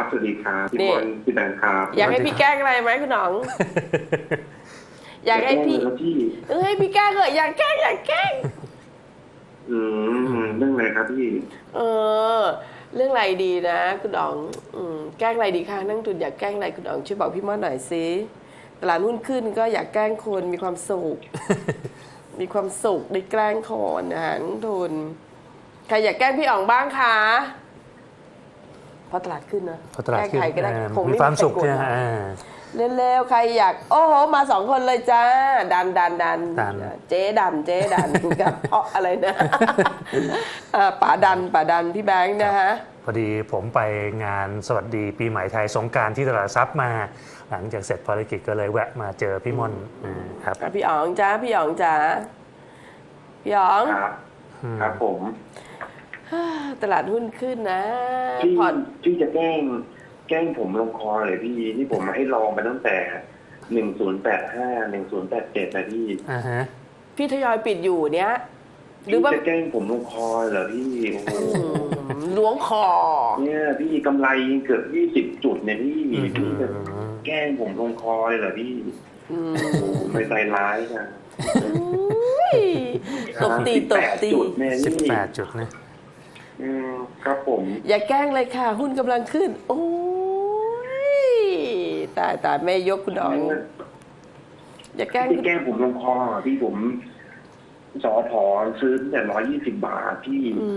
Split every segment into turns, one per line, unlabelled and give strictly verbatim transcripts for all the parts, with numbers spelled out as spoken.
สวัสดีครับพี่บอลพี่แบงค์ครับ
อยากให้พี่แกล้งอะไรไหมคุณหนอง อยากให้พี่เออให้พี่แกล้งเหรออยากแกล้งอยากแกล้ง
อืมเรื่องอะไรครับพี่
เออเรื่องอะไรดีนะคุณหนองอืมแกล้งอะไรดีคะนั่งทุนอยากแกล้งอะไรคุณหนองช่วยบอกพี่ม่อนหน่อยสิตลาดหุ้นขึ้นก็อยากแกล้งคนมีความสุข มีความสุขได้แกล้งคนนะฮะนักทุนใครอยากแกล้งพี่อ๋องบ้างคะเพราะตลาดขึ้นนะ
พอตลาดขึ้น
ใครก็ได้คง
มี
ไม่
ความสุข
ใครกด
ใช่ไหมอ่า
เร็วๆใครอยากโอ้โหมาสองคนเลยจ้าดันดันดัน
ดัน
เจ๊ดันเจ๊ดันกับเพราะอะไรนะ อ่าป๋าดันป๋าดันพี่แบงค์นะฮะ
พอดีผมไปงานสวัสดีปีใหม่ไทยสงกรานต์ที่ตลาดทรัพย์มา หลังจากเสร็จภารกิจก็เลยแวะมาเจอพี่ม่อนอ่าครับ
พี่อ๋องจ้าพี่อ๋องจ้าพี่อ๋อง
ครับครับผม
ตลาดหุ้นขึ้นนะ
พี่
พอร์ต
พี่จะแกล้งแกล้งผมลงคอเลยพี่ที่ผมมาให้ลองไปตั้งแต่หนึ่งศูนย์แปดห้าหนึ่งศูนย์แปดเจ็ดนะพี่
อ่าฮะ
พี่ทยอยปิดอยู่เนี้ยหรื
พี่
อว่า
จะแกล้งผมลงคอเหรอพี่โอ้โห
ล้วงคอ
เนี่ยพี่กำไรเกือบยี่สิบจุดเนี่ยพี่
อืม
พี่จะแกล้งผมลงคอเลยเหรอพี่
อืม
โอ้โหไม่ใจร้ายจัง
อุ้ยตบตีตบตี
จุดเนี่ย
สิบ
พี่
แปดจุดนะ
อืมครับผม
อย่าแกล้งเลยค่ะ หุ้นกำลังขึ้น โอ้ยตายตายแม่ยกคุณอ๋องอย่าแกล้ง
พี่แกล้งผมลงคอพี่ผมสอถอซื้อแต่ร้อยยี่สิบบาทพี่
อื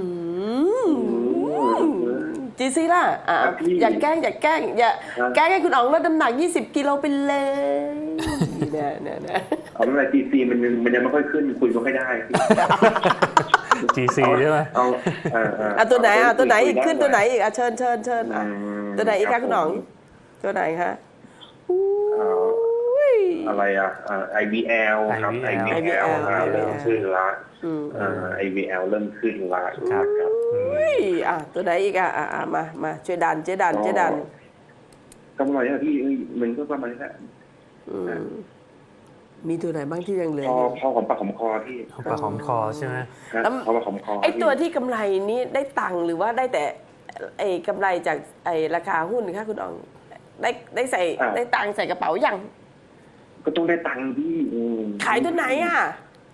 มจีซีล่ะอ่ะ
ครับพี่
อย่าแกล้งอย่าแกล้งอย่า
ครับ
แกล้งให้คุณอ๋องลดน้ำหนักยี่สิบกิโลไปเลยเนี่ยเนี่ยเนี่ย
เอาอะไรทีซีมันยังมันยังไม่ค่อยขึ้นคุยไม่ค่อยได้พี่
จี ซี ใช่ไหม
เอาเออเออ
อ่ะตัวไหนอ่ะตัวไหนอีก
คุย
ขึ้น
ด้
ตัวไหนอีกอ่ะเชิญเชิญเชิญอ่ะ
อืม
ตัวไหนอีก
ครั
คะ
บ
คุณอ๋อง
ผม
ตัวไหนคะ
เอา
อุ้ย
อะไรอ่ะไอวีแอลครับ
ไอ
ไอ
วี
วี
แอ
แอ
ล
ลเริ่มขึ้นละ
อืม
ไอวีแอลเริ่มขึ้นละ
ครับ
ครับ
อุ้ยอ่ะตัวไหนอีกอ่ะอ่ะอ่ะมามาช่วยดันเจ๊ดันเจ๊ดัน
กำไรอะพี่เอ้ยมันก็ประมาณนี้แหละ
อืมมีตัวไหนบ้างที่ยังเหลือ
พอ
อยู่
พอของปากของคอพี่
หอมปากหอมคอใช่ไหม
ครับ
แล้ว
พอปากของคอ
ไอ้ตัว
พี่
ที่กำไรนี้ได้ตังค์หรือว่าได้แต่ไอ้กำไรจากไอ้ราคาหุ้นคะคุณอ๋องได้ได้ใส่ได้ตังค์ใส่กระเป๋ายัง
ก็ต้องได้ตังค์พี่อืม
ขายตัวไหนอ่ะ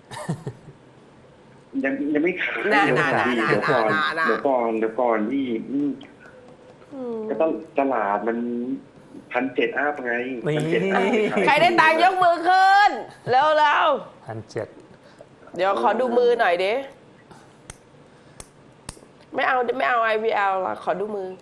ยังยังไม่ขาย
น่า
เดี๋ยว
น่า
ก่อน
น่า
เดี๋ยวก่อน
น่าน่า
เดี๋ยวก่อนเดี๋ยวก่อนพี่อืม
อืม
ก็ต้องตลาดมันพันเจ็ดอัพไง
นี่
พันเจ็ดอัพ
ใครได้ตังค์ยกมือขึ้นเร็วเร็ว
พันเจ็ด
เดี๋ยวขอดูมือหน่อยดิไม่เอาไม่เอา ไอ วี แอล ละขอดูมือ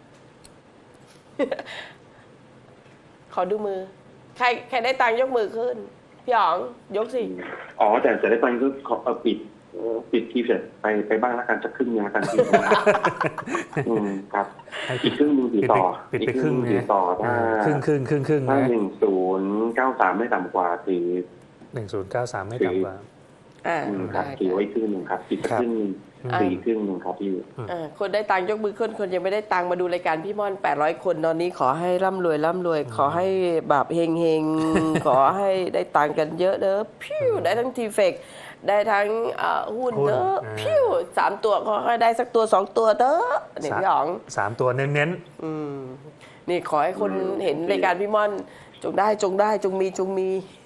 ขอดูมือ ใครใครได้ตังค์ยกมือขึ้นพี่อ๋องยกสิ
อ๋อแต่แต่ได้ตังค์ก็ขอเอาปิดเอ่อปิดทีเสร็จไปไปบ้างแล้วกันสักครึ่งนึงแล้วกันพี่ อืมครับอีกครึ่งนึงถือ
ปิด
ต่
ไป
อ
ปิด
อีก
ไป
ค
ค
รึ่
รึ่
ง
ง
ถือ
นะ
ต่อถ้า
ครึ่งครึ่งครึ่งครึ่ง
ถ้า
นะ
หนึ่งศูนย์เก้าสามไม่ต่ำกว่าถือ
หนึ่งศูนย์เก้าสามไม่ต่ำกว่า
อ่า
อืมครับ
ได้
ถือไว้ครึ่งหนึ่งครับอีกสัก
ครับ
ครึ่งหนึ่ง
อ่า
สี่ครึ่งหนึ่งครับพี่
อ่าคนได้ตังค์ยกมือขึ้นคนยังไม่ได้ตังค์มาดูรายการพี่ม่อนแปดร้อยคนตอนนี้ขอให้ร่ำรวยร่ำรวย ขอให้แบบเฮงเฮงๆ ขอให้ได้ตังค์กันเยอะเด้อพิ้วได้ทั้งทีเฟกได้ทั้งเอ่อหุ้น
หุ้น
เด้อ
อ่า
พิ้วสามตัวขอให้ได้สักตัวสองตัวเด้อเนี่ยพี่อ๋อง
สามตัวเน้น
อืมนี่ขอให้คน
อืม
เห็น
โอเค
รายการพี่ม่อนจงได้จงได้จงมีจงมี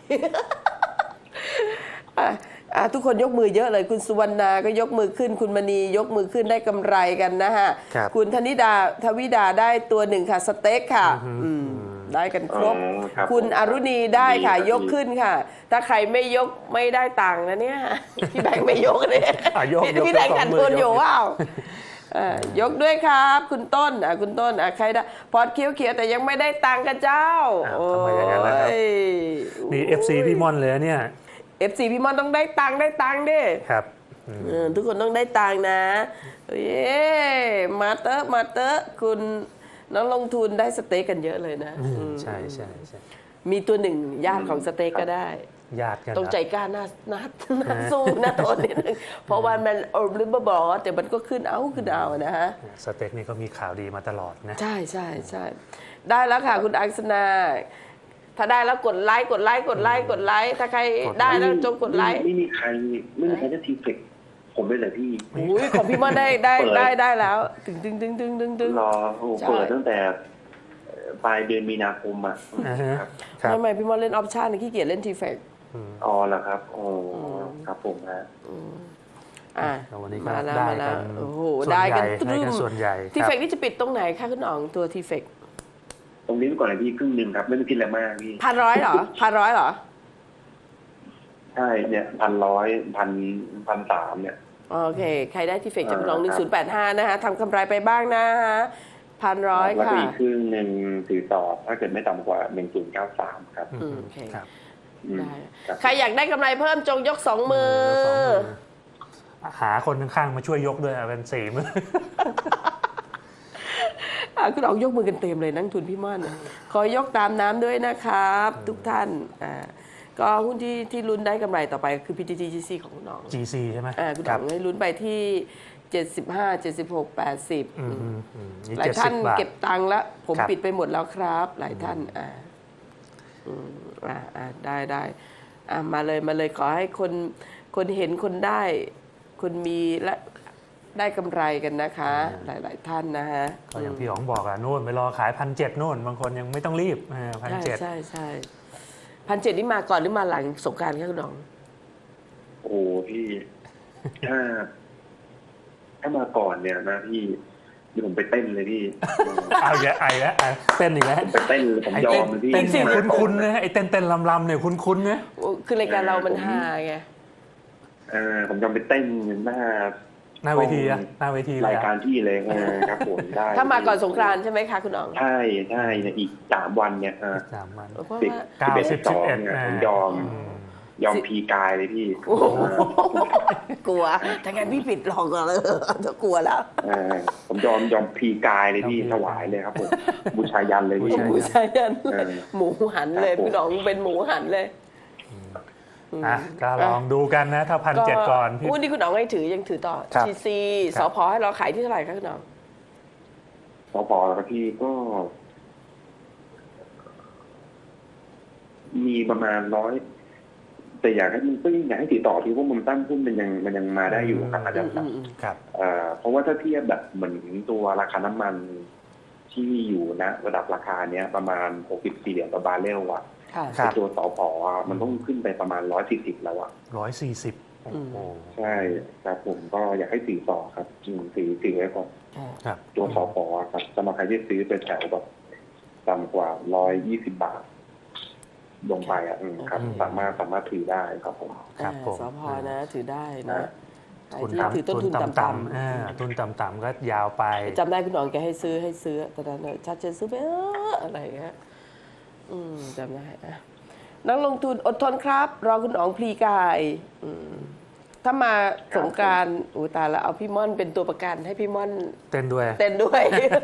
อ่ะอ่ะทุกคนยกมือเยอะเลยคุณสุวรรณาก็ยกมือขึ้น คุณมณียกมือขึ้นได้กำไรกันนะฮะ
ครับ
คุณธนิดาทวิดาได้ตัวหนึ่งค่ะสเต็กค่ะ
อือฮึ
อืมได้กันครบ
อ๋อครับ
คุณ
ผม
อรุณีได้ค่ะ
ดีครับ
ยกขึ้นค่ะ ถ้าใครไม่ยกไม่ได้ตังค์นะเนี่ย พี่แบงค์ไม่ยกเนี่ย
อ่ะยก
พี่
ยก
พี่แบงค์
ยกสอง
ขัด
มือ
ทุนอยู่
ยก
ว้าวอ่ายกด้วยครับ คุณต้นอ่ะคุณต้นอ่ะใครได้พอดเขียวเขียวๆแต่ยังไม่ได้ตังค์กันเจ้า
อ้าวทำไมอย่างนั้นล่ะครับ
โอ้ย
ๆนี่ เอฟ ซี พี่ม่อนเลยนะเนี่ย
เอฟซีพี่มอนต้องได้ตังค์ได้ตังค์ดิ
ครับอืม
เออทุกคนต้องได้ตังค์นะเย้มาเตอร์มาเตอร์คุณน้องลงทุนได้สเต็กกันเยอะเลยนะ
อืม
อืม
ใช่ใช่ใช่
มีตัวหนึ่งญาติของสเต็กก็ได้
ญาติกัน
ต้อง
นะ
ใจกล้าหน้าหน้าหน้าสู้หน้าทนนิดนึงเพราะว่ามันโอริบบอกแต่มันก็ขึ้นเอาขึ้นเอานะฮะ
สเต็กนี่ก็มีข่าวดีมาตลอดนะ
ใช่ใช่ใช่ได้แล้วค่ะคุณอังสนาถ้าได้แล้วกดไลค์กดไลค์กดไลค์กดไลค์ถ้าใครได้แล้วจงกดไลค์
ไม่มีใครไม่มีใครได้ทีเฟกผมด้วยเลยพี่
อุ้ยของพี่ม่อนได้ได้ได้ได้แล้วตึงตึงตึงตึงตึงตึง
รอโอ้เปิดตั้งแต่ปลายเดือนมีนาคมอ่ะ
อ่าฮะ
ครับ
ครับ
ทำไมพี่ม่อนเล่นออปชั่นขี้เกียจเล่นทีเฟก
อ๋อเหรอครับโอ้ครับผมฮะ
อ่ะ
แล้ววันนี้ก็
มาแล้ว
ได้
มาแล้
กั
วน โอ้โห
ส่วน
ได้
ให
กั
ญ่
นต
ได้
รึ
กัน
ม
ส่วนใหญ่
ที
ครั
เฟ
บ
กนี่จะปิดตรงไหนคะคุณอ๋องตัวทีเฟก
ตรงนี้ไปก่อนเลยพี่ครึ่งหนึ่งครับไม่ต้องคิดอะไรมากพี่
พันร้อยเหรอพันร้อยเหรอ
ใช่เนี่ยพันร้อยพันพันสามเนี่ย
โอเค ใครได้ทีเฟก
อ่า
จะเป็นน้องหนึ่
ค
ง
รับ
ศูนย์แปดห้านะคะทำกำไรไปบ้างนะฮะพันร้อย
แล้วก็
ค่ะ
อีกครึ่งหนึ่งถือต่อถ้าเกิดไม่ต่ำกว่าหนึ่งศูนย์เก้าสามครับ
อืมโอเค
ครับ
อืม
ได้
ครับ
ใครอยากได้กำไรเพิ่มจงยกสองมือ
สองมือหาคนข้างๆมาช่วยยกด้วยอ่ะเป็นสี่มือ
อ่ะคุณอ๋องยกมือกันเต็มเลยนักทุนพี่ม่อนขอยกตามน้ำด้วยนะครับ ทุกท่านอ่าก็หุ้นที่ที่ลุ้นได้กำไรต่อไปคือ พี ที ที จี ซี ของคุณอ๋อง
จี ซี ใช่ไหม
อ่าคุณ
ค
อ๋
รั
อบ งให้ลุ้นไปที่เจ็ดสิบห้า เจ็ดสิบหก แปดสิบ
อืมอืมอืมนี่
หลาย
เจ็ด
ท่า
สิ
น
บบาท
เก็บตังค์แล้วผม
ครับ
ปิดไปหมดแล้วครับ หลายท่านอ่าอืมอ่าอ่าได้ได้อ่ามาเลยมาเลยขอให้คนคนเห็นคนได้ คนมีและได้กำไรกันนะคะ หลาย ๆ ท่านนะฮะ
ก็อย่างพี่อ๋องบอกอะโน่นไปรอขายพันเจ็ดโน่นบางคนยังไม่ต้องรีบพัน
ใช่
เจ็ด
ใช่ใช่พันเจ็ดนี่มาก่อนหรือมาหลังสงกรานต์ครับคุณน้อง
โอ้พี่ถ้าถ้ามาก่อนเนี่ยนะพี่เดี๋ยวผมไปเต้นเลยพี่
เอาอีกแล้วไอ้แล้วอ่ะเต้นอีกแล้ว
ผมไปเต้นเลยผม
ไอ้
ยอ
เต้น
มเลยพี่
เต้นเสียง
มาก่อ
คุ้นๆนะไอ้เต้นเต้นลำๆเนี่ยคุ้นๆนะ
คือรายการเรามันฮาไง
เออผมยอมไปเต้นหน้า
หน้าเวทีอะหน้าเวทีเลย
ราย
อะ
การที่เลยเออครับผมได้
ถ้ามาก่อนสงกรานต์ใช่ไหมคะคุณน้อง
ใช่ใช่เนี่ยอีกสามวันเนี่ยเออ
สามวัน
เพราะ
สิบ
ว่า
เก้า
สิบเอ็ด
สิ
สิ
บบ
สอง
สิบเอ็ด
เนี่ย
อ่า
ผมยอม ยอมพีกายเลยพี่
โอ้โหกลัวถ้างั้นพี่ปิดหลอกก่อนเลยจะกลัวแล้ว
เออผมยอมยอมพีกายเลยพี่ถวายเลยครับผมบูชายันเลยพี่
หมูชายัน
เออ
หมูหันเลย
ครับผม
พี่น้องเป็นหมูหันเลย
อ่ะก็ลองดูกันนะ ถ้าพันเจ็ดก่อนพี่
หุ้นที่คุณน้องให้ถือยังถือต่อ
ครับ
ทีซี
ครับ
สพให้เราขายที่เท่าไหร่คะคุณน้อง
สพแล้วก็พี่ก็ มีประมาณร้อยแต่อยากให้มันก็ยังอยากให้ติดต่อที่ว่ามุมตั้งหุ้นมันยังมันยังมาได้อยู่ครับอาจารย์ครับ
ครับ
เอ่อเพราะว่าถ้าเทียบแบบเหมือนตัวราคาน้ำมันที่อยู่นะระดับราคาเนี้ยประมาณหกสิบสี่เหรียญต่อบาร์เรลอะ
ค่ะ
ครับ
ตัวสพอะมันต้องขึ้นไปประมาณร้อยสี่สิบแล้วอะ
ร้อยสี่สิบโอ้
อืม
โห
ใช่ครับผมก็อยากให้ถือต่อครับอืมถือถือไว้ก่อน
ครับ
ตัวสพอะครับสำหรับใครที่ซื้อเป็นแถวแบบต่ำกว่าร้อยยี่สิบบาทลงไปอ่ะอืมครับ สามารถสามารถถือได้ครับผม
ครับผม
สพนะถือได้นะใคร
ทุน
ที่ถือ
ต่ำ
ต้น
ทุน
ทุน
ต่ำ
ต่ำ
ๆอ่าทุนต่ำๆก็ยาวไป
ๆจำได้คุณน้องแกให้ซื้อให้ซื้อตอนนั้นน่ะชัดเจนซื้อไปเอออะไรอย่างเงี้ยอืมจำได้อะนักลงทุนอดทนครับ รอคุณอ๋องพลีกายอืมถ้ามาสงกรารอูตายแล้วเอาพี่ม่อนเป็นตัวประกันให้พี่ม่อน
เต้นด้วย
เต้นด้วย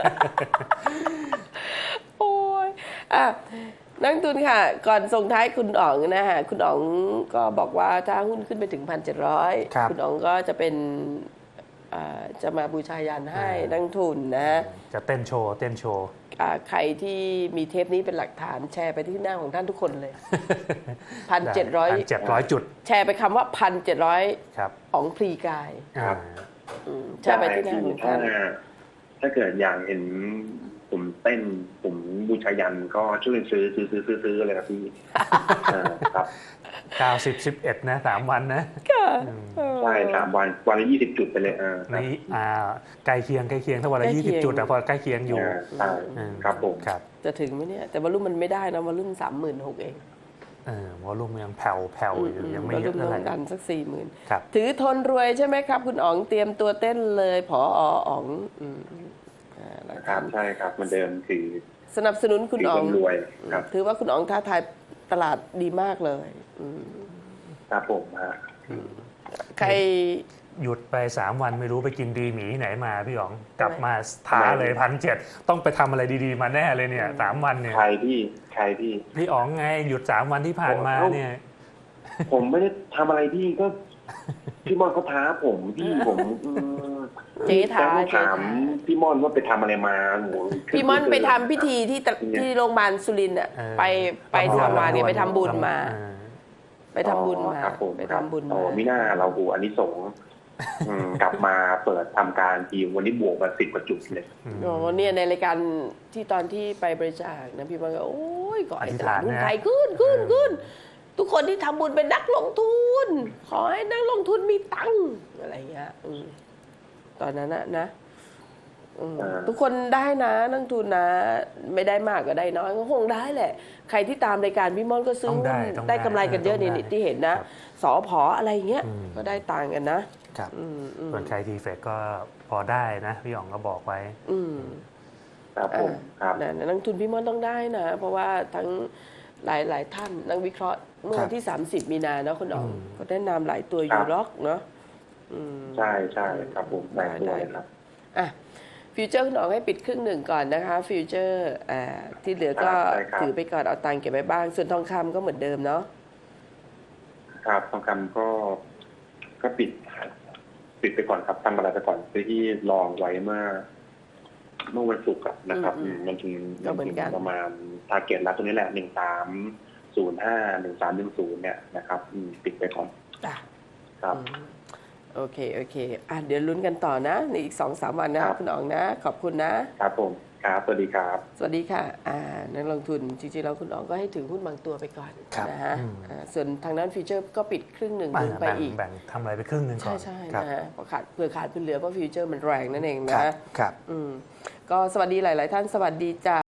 โอ้ยอ่ะนักทุนค่ะ ก่อนส่งท้ายคุณอ๋องนะฮะคุณอ๋องก็บอกว่าถ้าหุ้นขึ้นไปถึงพันเจ็ดร้อย
ครับ
คุณอ๋องก็จะเป็นอ่าจะมาบูชายันให้นักทุนนะ
จะเต้นโชว์เต้นโชว์
อ่าใครที่มีเทปนี้เป็นหลักฐานแชร์ไปที่หน้าของท่านทุกคนเลย พันเจ็ดร้อย
พันเจ็ดร้อยจุด
แชร์ไปคำว่าพันเจ็ดร้อย
ครับ
อ๋องพลีกาย
อ่า
อืมแชร์ไปที่หน้าของ
ถ้า
ท่าน
ถ้าเกิดอยากเห็นผมเต้นผมบูชายันก็ช่วยซื้อซื้อซื้อซื้อซื้อเลยครับพี่ อ่าครับ
เก้าสิบ สิบเอ็ดนะสามวันนะ
ใช่สามวันวันละยี่สิบจุดไปเลยอ่าครับ
นี่อ่าใกล้เคียงใกล้เคียงถ้าวันละ
ใกล้
ยี่
เคี
สิบ
ยง
จุดแต่พอใกล้เคียงอยู่
อ่าใช่
อืม
ครับผม
ครับ
จะถึงไหมเนี่ย แต่วอลลุ่มมันไม่ได้นะวอลลุ่มสามหมื่นหกเอง
เออวอลลุ่มยังแผ่วแผ่วอยู่ยังไม่
วอล
เย
ลุ่
อะ
ม
เท่าไห
ล
ร่
งดันสักสี่หมื่น
ครับ
ถือทนรวยใช่ไหมครับ คุณอ๋องเตรียมตัวเต้นเลยผออ๋องอืมอ่าแล้ว
ครับใช่ครับเหมันเดิมถือ
สนับสนุนคุณ
ถือ
อ๋อ
ค
ง
นรวยครับ
ถือว่าคุณอ๋องท้าทายตลาดดีมากเลยอืม
ครับผมฮะ
ใคร
หยุดไปสามวันไม่รู้ไปกินดีหมีไหนมาพี่อ๋องกลับมาท้าเลยพันเจ็ดต้องไปทำอะไรดีๆมาแน่เลยเนี่ยสามวันเนี่ย
ใครพี่ใครพี่
พี่อ๋องไงหยุดสามวันที่ผ่านมาเนี่ย
ผมไม่ได้ทำอะไรพี่ก็ พี่มอนเขาท้าผมพี่ผมอืม
เจ๊ท้า
แต่
เจ๊
ถาม
ท้า
พี่มอนว่าไปทำอะไรมาโห
พี่ม่อนไปทำพิธีที่ตะที่โรงพยาบาลสุรินทร์อ่ะ
เออ
ไปไปทำมาเนี่ยไปทำบุญมา
เออ
ไปทำบุญมา
ครับผม
ไปทำบุญ
อ๋
มา
อมิน่าเราหูอันนี้สงส์อืมกลับมาเปิดทำการทีวันนี้บวกมาสิบกว่าจุดเลย
อ๋อเนี่ยในรายการที่ตอนที่ไปบริจาคนะพี่มันก็โอ้ยขอให้ตลาดหุ้นไทยขึ้นขึ้นขึ้นทุกคนที่ทำบุญเป็นนักลงทุน ขอให้นักลงทุนมีตังค์อะไรเงี้ยอืมตอนนั้นนะนะอืมทุกคนได้นะนักลงทุนนะ ไม่ได้มากก็ได้น้อยก็คงได้แหละ ใครที่ตามรายการพี่ม่อนก็ซื้อ
ต้องได้
หุ้น
ต้อง
ได้กำไรกันเยอะ
ต้อง
นี่
ได้
ที่เห็นนะ
ครับ
สอพออะไรเงี้ย
อืม
ก็ได้ตังค์กันนะครับ อืมอืม
ส่วนใครทีเฟกก็พอได้นะพี่อ๋องก็บอกไว้
อืม
ครับผมครับ
นะนักลงทุนพี่ม่อนต้องได้นะ เพราะว่าทั้งหลายหลายท่านนักวิเคราะห์เมื่อวันที่ สามสิบ มีนาเนาะคุณอ๋อง
อืม
ก็แนะนำหลายตัวอยู่หรอกเนาะอืม
ใช่ใช่ครับผมได้ตัวเลยครับ
อ่ะฟิวเจอร์คุณอ๋องให้ปิดครึ่งหนึ่งก่อนนะคะฟิวเจอร์อ่าที่เหลือก็
ครับได้ครับ
ถือไปก่อนเอาตังค์เก็บไว้บ้าง ส่วนทองคำก็เหมือนเดิมเนาะ
ครับทองคำก็ก็ปิด ปิดไปก่อนครับตั้งเวลาไปก่อนซื้อที่ลองไว้เมื่อเมื่อวันศุกร์อะนะครับ
อืม
มันถึง
ก็เหมือนกัน
ประมาณทาร์เก็ตแล้วตัวนี้แหละหนึ่งสามศูนย์ห้าหนึ่งสามหนึ่งศูนย์เนี่ยนะครับอืมปิดไปก่อน
จ้ะ
ครับ
อืมโอเคโอเคอ่ะเดี๋ยวลุ้นกันต่อนะในอีกสองสามวันนะครับ คุณอ๋องนะ ขอบคุณนะ
ครับผมครับสวัสดีครับ
สวัสดีค่ะอ่านักลงทุนจริงๆแล้วคุณอ๋องก็ให้ถือหุ้นบางตัวไปก่อน
ครับ
นะฮะ
อืม
อ่าส่วนทางด้านฟิวเจอร์ก็ปิดครึ่งหนึ่ง
แบ่
ล
ง
งไป
แบ่ง
อีก
แบ่งทำอะไรไปครึ่งหนึ่งก่
ใช่
อน
ใช่
ครับ
นะฮะเพราะขาดเผื่อขาดเผื่อเหลือเพราะฟิวเจอร์มันแรงนั่นเอง
ครับ
นะ
ครับ
อืมก็สวัสดีหลาย ๆ ท่านสวัสดีจ้า